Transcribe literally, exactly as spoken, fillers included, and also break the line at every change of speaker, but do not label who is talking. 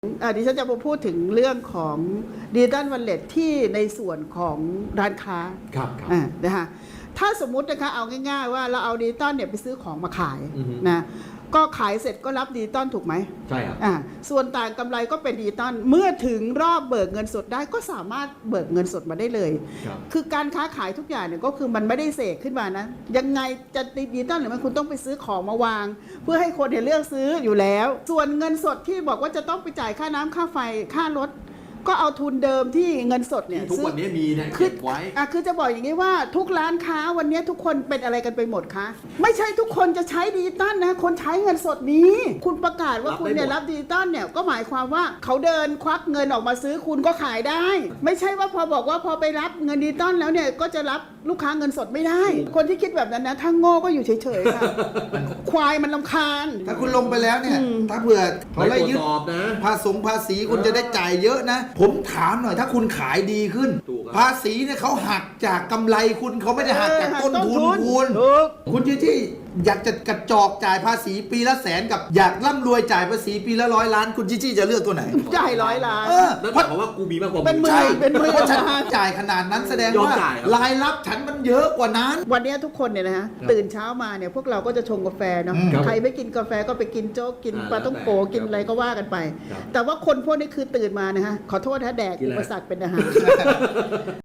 อ่าดิฉันจะมาพูดถึงเรื่องของดิจิตอลวอลเล็ตที่ในส่วนของร้านค้า
ครับครับ
อ่านะคะถ้าสมมุตินะคะเอาง่ายๆว่าเราเอาดิจิตอลเนี่ยไปซื้อของมาขาย
อือฮึ
นะก็ขายเสร็จก็รับดิจิตอลถูกไหม
ใช่ครับ
อ่าส่วนต่างกำไรก็เป็นดิจิตอลเมื่อถึงรอบเบิกเงินสดได้ก็สามารถเบิกเงินสดมาได้เลย
ครับ
คือการค้าขายทุกอย่างเนี่ยก็คือมันไม่ได้เสกขึ้นมานะยังไงจะดิจิตอลหรือมันคุณต้องไปซื้อของมาวาง เพื่อให้คนเห็นเลือกซื้ออยู่แล้ว ส่วนเงินสดที่บอกว่าจะต้องไปจ่ายค่าน้ำค่าไฟค่ารถก็เอาทุนเดิมที่เงินสดเนี่ย
ที่ทุกวันนี้มีเนี่ย
คือ
เก็บไว้
อ่ะคือจะบอกอย่างนี้ว่าทุกร้านค้าวันนี้ทุกคนเป็นอะไรกันไปหมดคะไม่ใช่ทุกคนจะใช้ดิจิตอลนะคนใช้เงินสดนี้ คุณประกาศว่า
รับ
คุณ
ได้
เนี่ย
หมด
รับดิจิตอลเนี่ยก็หมายความว่าเขาเดินควักเงินออกมาซื้อคุณก็ขายได้ ไม่ใช่ว่าพอบอกว่าพอไปรับเงินดิจิตอลแล้วเนี่ยก็จะรับลูกค้าเงินสดไม่ได้ คนที่คิดแบบนั้นนะถ้าโง่ก็อยู่เฉยๆค่ะ ควายมันลำคาญ
ถ้าคุณลงไปแล้วเนี่ย
อืม
ถ้าเผื่อ
ไป
เขาไล่
ตรวจ
ยึด
สอบนะ
ภาษีภาษีคุณ
เออ
จะได้จ่ายเยอะนะ ผมถามหน่อยถ้าคุณขายดีขึ้น
ถูกครับ
ภาษีเนี่ยเขาหักจากกำไรคุณเขาไม่ได้หักจากต้นทุน
เออหักต้นทุน
คุณ
ถูก
คุณที่ที่อยากจะกระจอกจ่ายภาษีปีละแสนกับอยากร่ำรวยจ่ายภาษีปีละร้อยล้าน คุณจิจี้จะเลือกตัวไหน
จ่ายร้อยล้าน
เออ
นั่นหมายความว่ากูมีมากกว่า
เป็นหมื่น
ใช่
เป็นหมื่น
เพราะฉันจ่ายขนาดนั้นแสดง
ยอม
ว่า
จ่ายครับ
รายรับฉันมันเยอะกว่านั้น
วันนี้ทุกคนเนี่ยนะฮะ
ครับ
ตื่นเช้ามาเนี่ยพวกเราก็จะชงกาแฟเนาะ
อืม
ใครไม่กินกาแฟก็ไปกินโจ๊กกิน
อ่า
ปลาต้องโก
แล้วแต่
กินอะไรก็ว่ากันไป
ครับ
แต่ว่าคนพวกนี้คือตื่นมานะฮะขอโทษนะแดก
กิน
อุ
อะไร
ปสรรคเป็นอาหาร